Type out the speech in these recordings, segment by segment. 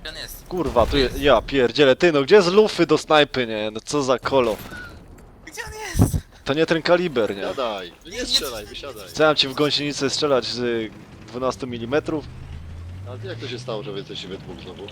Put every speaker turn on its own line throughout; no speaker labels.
Gdzie on jest?
Kurwa, tu jest... Ja pierdzielę, ty no gdzie jest lufy do snajpy, nie? No co za kolo.
Gdzie on jest?
To nie ten kaliber, nie?
Siadaj, nie strzelaj, wysiadaj.
Chciałem ci w gąsienicę strzelać z 12 mm.
A jak to się stało, że wy jesteście we dwóch znowu?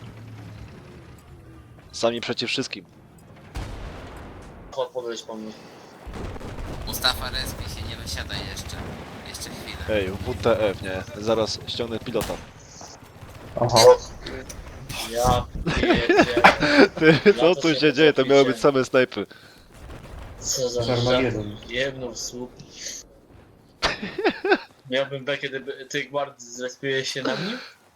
Sami przeciw wszystkim.
Chodź, podejść po mnie.
Mustafa, respij się, nie wysiadaj jeszcze. Jeszcze chwilę.
Ej, WTF, nie? Zaraz ściągnę pilota.
Aha. Ja pierdzielę.
Ty, co tu się dzieje? To miały być same snajpy.
Co za
Armagedon.
jedną w słup. Miałbym B, kiedy ty guard zrespiłeś się na nim?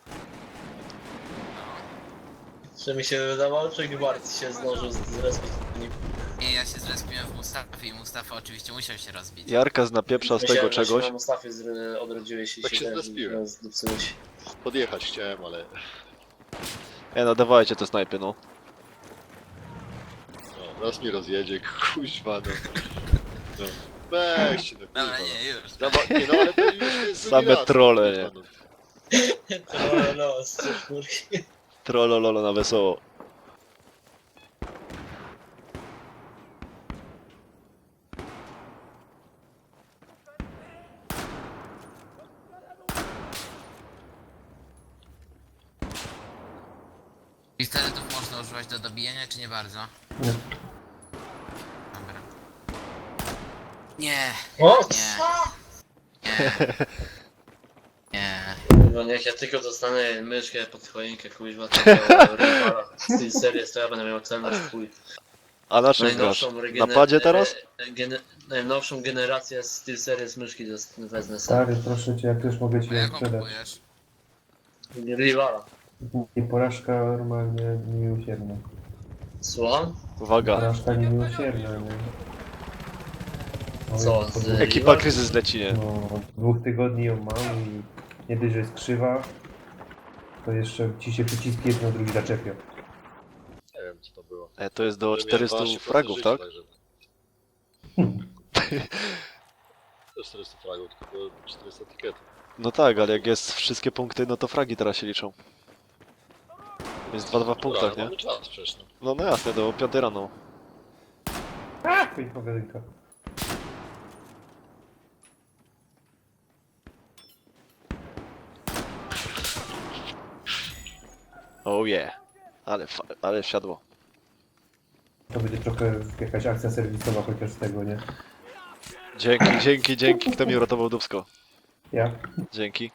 Czy mi się wydawało, czy guard się zdążył zrespić na nim?
Nie, ja się zrespiłem w Mustafie i Mustafa oczywiście musiał się rozbić.
Jarka napieprza z tego
Myślałem, że się
czegoś.
na Mustafie odrodziłeś i
Tak się
też
zrespiłem.
zdupcyłeś.
Podjechać chciałem, ale...
No dawajcie te snajpy, no.
No, raz mi rozjedzie, kuźwa, no. No. Weźcie, no
Dobra,
kurwa.
nie, już.
Nie no, ale to już jest
Same
drugi raz,
trolle,
kurwa,
nie?
no.
No, z czwórki.
Trollololo na wesoło.
Pistoletów można używać do dobijania, czy nie bardzo?
Nie.
Dobra. Nie,
O!
nie. Nie.
No niech ja tylko dostanę myszkę pod choinkę, kuźwa, tego rywala z series, to ja będę miał celność w chuj.
A na czym grasz? Na padzie teraz?
Najnowszą generację Steel Series myszki wezmę sobie.
Stary, proszę cię, jak już mogę ci
A
ją
jaką
sprzedać.
kupujesz?
Rywala.
I porażka normalnie niemiłosierna.
Słucham?
Uwaga.
Porażka niemiłosierna, nie? Oj,
Co,
po
z-
dwóch-
Ekipa kryzys leci, nie?
No, od 2 tygodni ją mam i nie dość, że jest krzywa, to jeszcze ci się przyciski jedno drugi zaczepią.
Nie wiem, co to było.
To jest do
Ale miałem
400
12%
fragów,
życia,
tak?
także- To 400 fragów, tylko 400 etykietów.
No tak, ale jak jest wszystkie punkty, no to fragi teraz się liczą. Jest 2-2 w punktach,
Dobra,
nie?
mamy czas przecież, no.
No jasne, do 5 rano.
Twoja pogadynka.
Oh yeah. Ale wsiadło.
To będzie trochę jakaś akcja serwisowa chociaż z tego, nie?
Dzięki. Kto mi uratował dubsko?
Ja?
Dzięki.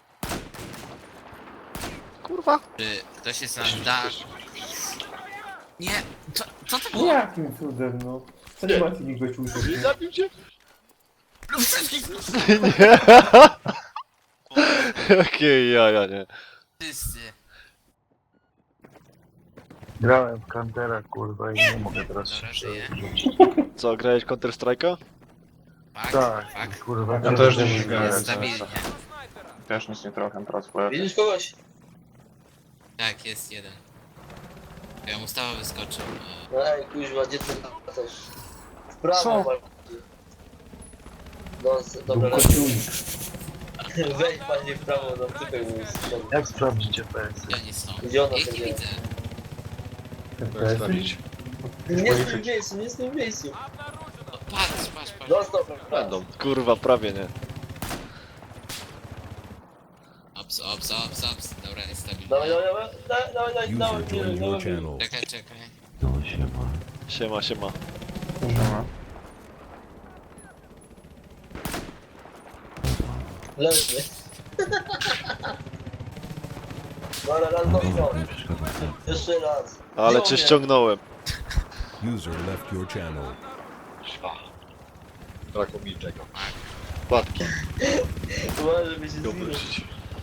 Kurwa.
Czy ktoś jest na dach? Nie, co to było?
Jakim cudem, no? Co nie ma ci nikt gościu
Nie
uciekł?
zabił cię?
Nie. Jakie jaja, nie?
Wszyscy.
Grałem w Kantera, kurwa, i nie mogę teraz
Dobra,
się
żyję.
przerzucić.
Co, grałeś Counter Strike'a?
Fakt,
Tak,
fakt.
kurwa,
Ja też nie
Jest
grałem.
stabilnie.
Też nic nie trochę teraz powiem.
Widzisz kogoś?
Tak, jest jeden. Ja Mustafa wyskoczył.
No ej, kuźwa, gdzie ty też? W prawo
Co?
bardziej. Dobra,
Kościółnik.
wejdź panie w prawo, no typek mu strzelił.
Jak sprawdzić FPS?
Gdzie oni są?
Gdzie ona
Ja ich nie
sobie?
widzę.
Jak sprawdzić?
Nie z tym miejscu, nie z tym miejscu.
O, patrz.
Dostał,
Będą.
Kurwa, prawie nie.
Ops. Dobra, jest stabilnie.
Dawaj, dawaj,
Czekaj.
Siema.
leży. Dobra, raz dominął. Jeszcze raz.
Ale
Wziął
cię
mnie.
ściągnąłem.
User left your channel.
Brakło mi czego. Płatki,
Uważaj, żeby się zginął.
obrócić.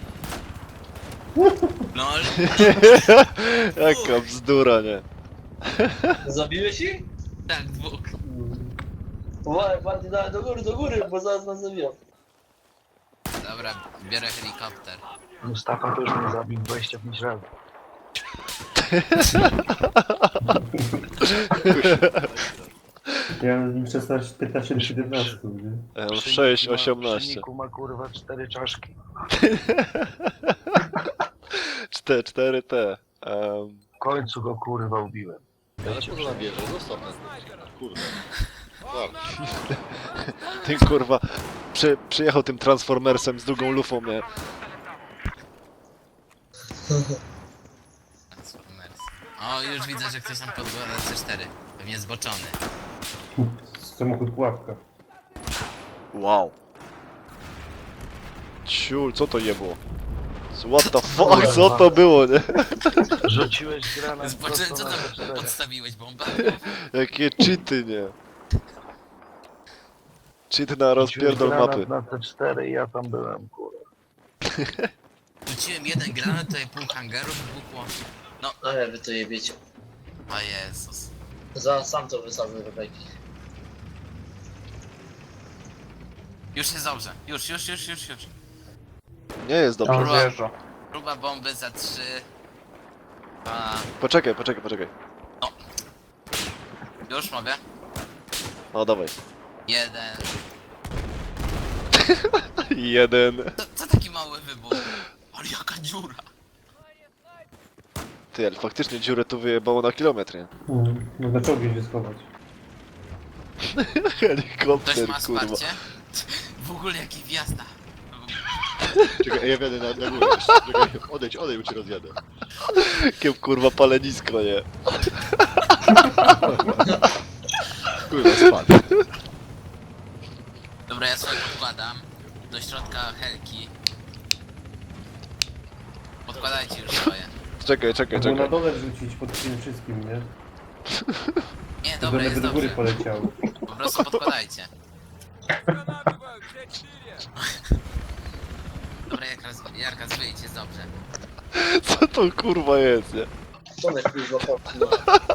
LOL.
Jaka bzdura, nie?
Zabiłeś ich?
Tak, dwóch.
Uważaj, bardziej dawaj do góry, bo zaraz nas zabiją.
Dobra, biorę helikopter.
Mustafa też mnie zabił 25 razy.
Ja mam z nim 16, 15, 17, nie?
Ja mam
Przy
6,
niku ma-
18.
Przy niku ma kurwa 4 czaszki.
4 te.
W końcu go kurwa ubiłem.
Ale po co nam bierze? Zostaw nas. Kurde. Dobra.
Ten kurwa przyjechał tym Transformersem z drugą lufą, nie?
Transformers. O, już widzę, że ktoś tam podgląda C4. Pewnie zboczony.
Samochód pułapka.
Wow. Ciul, co to jebło? What the fuck, co to było, nie?
Rzuciłeś granat
Zboczony, co
prosto
tam
na te cztery.
podstawiłeś bombę?
Jakie cheaty, nie? Cheat na
Rzuciłeś
rozpierdol mapy.
granat na te 4 i ja tam byłem, kurwa.
Rzuciłem jeden granat, tutaj pół hangaru wybuchło.
Ale wy to jebiecie.
O Jezus.
Zaraz sam to wysadzę do beki.
Już jest dobrze. Już.
Nie jest dobrze.
On zjeżdża.
Próba bomby za 3. 2.
Poczekaj.
Już mogę?
No dawaj.
1.
1.
Co taki mały wybuch? Ale jaka dziura.
Ty, ale faktycznie dziurę tu wyjebało na kilometr, nie?
Można czołgi się schować.
Ktoś
Helikopter,
ma
kurwa.
wsparcie? W ogóle jaki wjazda.
Czekaj, ja wjadę na górę jeszcze. Czekaj, odejdź, bo cię rozjadę.
Jakie kurwa palenisko, nie?
Kurwa, spadł.
Dobra, ja sobie podkładam do środka helki. Podkładajcie już swoje.
Czekaj.
Można na dole wrzucić pod tym wszystkim, nie?
Nie,
To
dobra,
one
jest
by do góry
dobrze.
poleciały.
Po prostu podkładajcie. Dobra, Jarka, wyjdź, jest dobrze.
Co to kurwa jest, nie?
To mnie kurwa popchnął.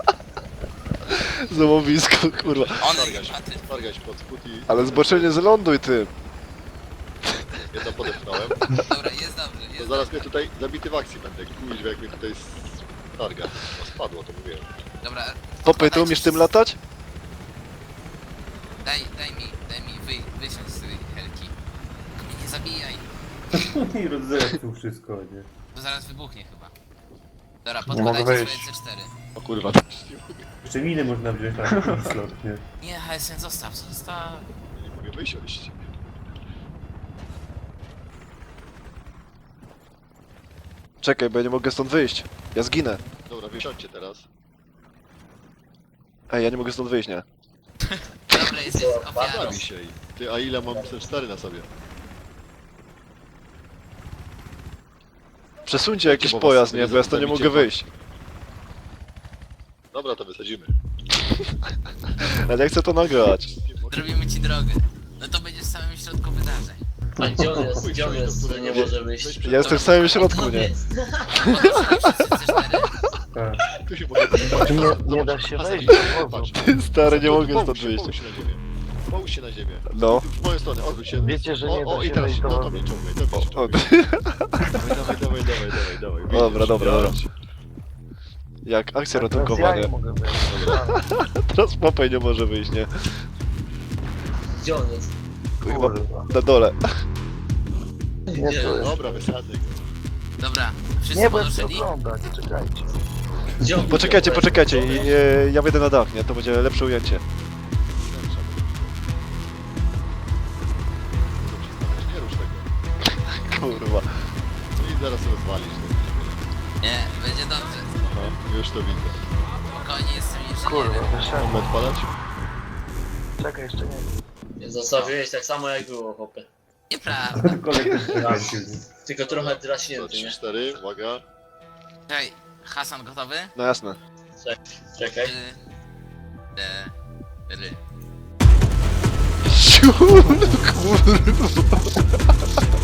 Zamowisko, kurwa.
On
Targać pod spód i...
Ale zboczenie zląduj, ty.
Jedno podepchnąłem.
Dobra, jest dobrze,
To
jest
zaraz
dobrze.
mnie tutaj zabity w akcji będę. Kuźwa, jak mnie tutaj targa. No, spadło, to mówiłem.
Dobra,
Popy, ty umiesz tym latać?
Daj mi, wysiądź z tej helki. Tylko mnie nie zabijaj,
I rozdepczył wszystko, nie?
to zaraz wybuchnie chyba. Dobra,
Nie mogę
podkładajcie swoje
wyjść.
C4.
O kurwa,
Jeszcze miny można wziąć na taki slot, nie?
Nie, HSN, zostaw.
nie mogę wysiąść.
Czekaj, bo ja nie mogę stąd wyjść. Ja zginę.
Dobra, wysiądźcie teraz.
Ej, ja nie mogę stąd wyjść, nie?
Dobra, jesteś ofiarą.
Bawi się i... Ty, a ile mam C4 na sobie?
Przesuńcie jakiś
Bo was
pojazd,
sobie
nie? Bo ja stąd nie
zabicie,
mogę
bo-
wyjść.
Dobra, to wysadzimy.
Ale ja chcę to nagrać.
Zrobimy ci drogę. No to będziesz w samym środku wydarzeń.
A gdzie on jest? Gdzie on jest, że nie może wyjść?
Ja jestem w samym środku, nie?
C4.
Tak.
Tu się mogę...
Tu nie da się wejść do wozu.
Ty, stary, nie mogę stąd wyjść.
Połóż się na ziemię. Połóż się na ziemię.
No.
W moją stronę, odwróć się.
Wiecie, że nie
O,
da
i
się
teraz,
wejść do
no to
wozu.
mnie ciągaj, to mnie
O,
ciągaj. Dawaj.
Dobra, dobra.
Widzisz?
Jak akcja
Teraz
ratunkowa,
ja nie
nie?
mogę wejść.
Teraz Popej nie może wyjść, nie?
Gdzie on jest?
Chyba
Kurwa.
na dole.
Nie,
Nie,
to jest.
Dobra, wysadzę go.
Dobra, wszyscy
Nie będę
podeszli?
oglądać, czekajcie.
Gdzie on
Poczekajcie,
jest?
poczekajcie. Ja wejdę na dach, nie? To będzie lepsze ujęcie.
Nie rusz tego.
Kurwa.
No i zaraz rozwalisz.
Nie, będzie dobrze.
Aha, już to widzę.
Spokojnie, jestem
Kurwa,
inżynierem.
wyszedłem.
Moment palać?
Czekaj, jeszcze nie.
Zostawiłeś tak samo jak było, chłopie.
Nieprawda.
Kolega kręcił, nie?
Tylko trochę
To
draśnięty,
3,
nie?
4, uwaga.
Czekaj, Hasan gotowy?
No jasne.
Czekaj.
4.
Ciul, kurwa.